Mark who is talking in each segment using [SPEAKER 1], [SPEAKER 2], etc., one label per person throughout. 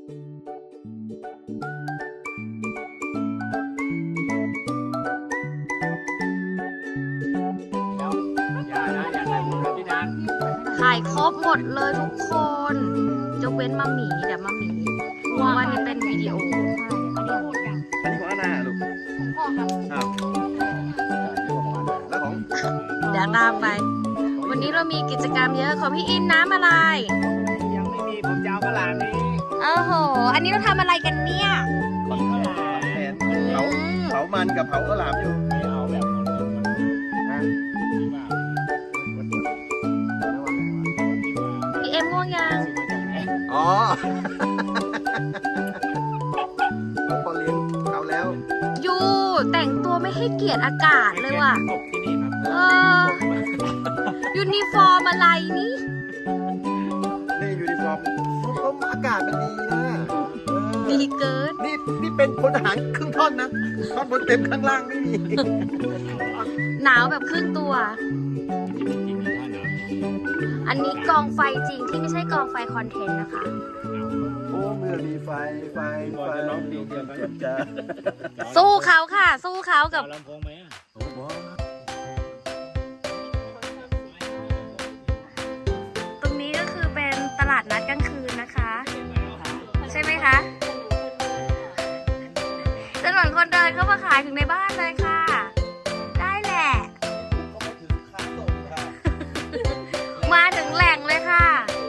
[SPEAKER 1] ถ่ายครบหมดเลยทุกคนยกเว้นมาหมีเดี๋ยวมาหมีเพราะว่านี่เป็นวิดีโอ
[SPEAKER 2] อันนี้ของอาณาลูกของพ่อครับอ้าวแล้วของ
[SPEAKER 1] เดี๋ยวตามไปวันนี้เรามีกิจกรรมเยอะของพี่อินน้ำอะไร
[SPEAKER 2] ยังไม่มีผมจะเอากระหล่ำนี้
[SPEAKER 1] โอ้โหอันนี้เราทำอะไรกันเนี่ย
[SPEAKER 2] เผามันกับเผากระหล่ำอยู่ไม่เอาแบบ
[SPEAKER 1] พี่เอ็มง่วงยัง
[SPEAKER 2] อ๋อพอเลี้ยงเขาแล้ว
[SPEAKER 1] ยูแต่งตัวไม่ให้เกียรติอากาศเลยว่ะยูนิฟอร์มอะไรนี่
[SPEAKER 2] ยูนิฟอร์มก็อากาศมันดีนะ
[SPEAKER 1] ดีเกิน
[SPEAKER 2] นี่เป็นพลทหารครึ่งท่อนนะท่อนบนเต็มข้างล่างไม่มี
[SPEAKER 1] หนาวแบบครึ่งตัวอันนี้กองไฟจริงที่ไม่ใช่กองไฟคอนเทนต์นะคะ
[SPEAKER 2] โอ้เมื่อมีไฟร้องดีเกินจะ
[SPEAKER 1] สู้เขาค่ะสู้เขากับ
[SPEAKER 3] ลำโพงไหม
[SPEAKER 1] ตรงนี้ก็คือเป็นตลาดนัดกลางคืนนะคะใช่ไหมคะถนนคนเดินเข้ามาขายถึงในบ้านเลยค่ะได้แหละมาถึงแหล่งเลยค่ะ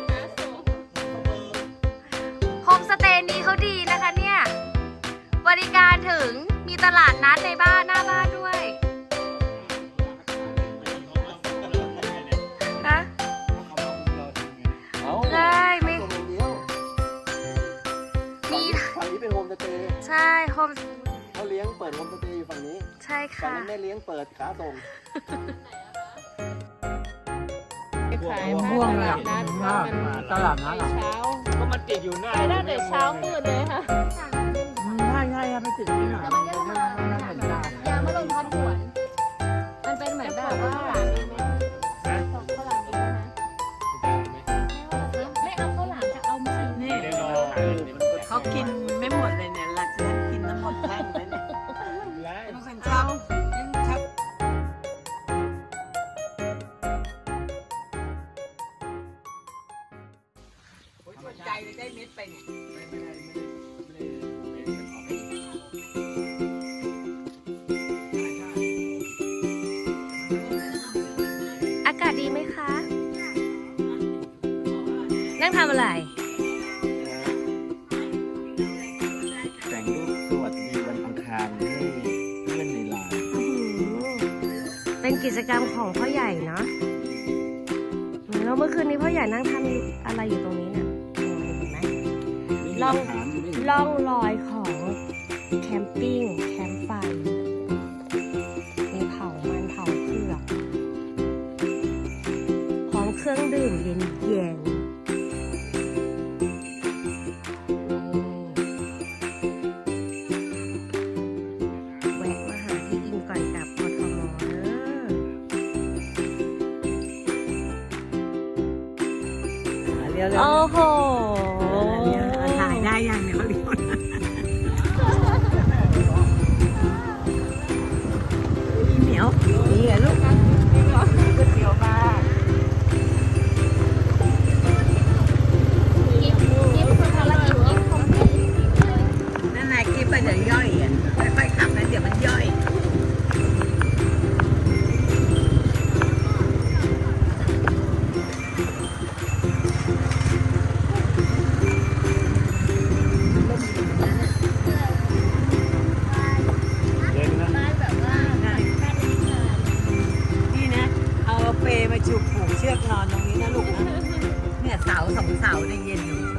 [SPEAKER 1] โฮมสเตย์นี้เขาดีนะคะเนี่ยบริการถึงมีตลาดนัดในบ้านหน้าบ้านด้วยนะได้ไม่มี
[SPEAKER 2] ฝั่งนี้เป็นโฮมสเตย์
[SPEAKER 1] ใช่โฮม
[SPEAKER 2] เขาเลี้ยงเปิดโฮมสเตย์อยู่ฝั่งนี้
[SPEAKER 1] ใช่ค่ะ
[SPEAKER 2] ฝั่งนั้นแม่เลี้ยงเปิดขาส่ง
[SPEAKER 4] ขายม่วงเลยตลาดนัดเช้า
[SPEAKER 3] ก็มันติดอยู่หน้า
[SPEAKER 4] ไปได้แต่เช้ามืดเลยค่ะ
[SPEAKER 2] ง่ายครับไม่ติดที่ไหน
[SPEAKER 4] ยามาลงทัดหวนมันเป็นเหมือนแบบว่าไม่เอาข้าวหลามจะเอามานี่เขากินไม่หมดเลยเนี่ยหลักจะกินน้ำหมดแท่งเลยเนี่ยต้องเป็นเช้าใจได้เม็ดไปเนี่ย
[SPEAKER 1] อากาศดีไหมคะนั่งทำอะไร
[SPEAKER 2] แต่งรูปสวัสดีวันอังคารให้เพื่อนในไลน์
[SPEAKER 1] เป็นกิจกรรมของพ่อใหญ่เนาะแล้วเมื่อคืนนี้พ่อใหญ่นั่งทำอะไรอยู่ตรงนี้เนี่ยเห็นไหมล่องรอยของแคมปิ้งแคมป์ไฟมีเผามันเผาเผือกพร้อมเครื่องดื่มเย็นแวะมาหาพี่อินก่อนกลับกทมโอ้โห
[SPEAKER 4] ถ่ายได้ยังเนี่ยเลี้ยวเหนียวนี่เหรอลูกนี่เหรอก๋วยเตี๋ยวมานั่นนายกิ๊บไปเดี๋ยวย่อยอ่ะค่อยๆขับนะเดี๋ยวมันย่อยมาจูบผูกเชือกนอนตรงนี้นะลูกนะเนี่ยเสา2 เสาเนี่ยเย็นอยู่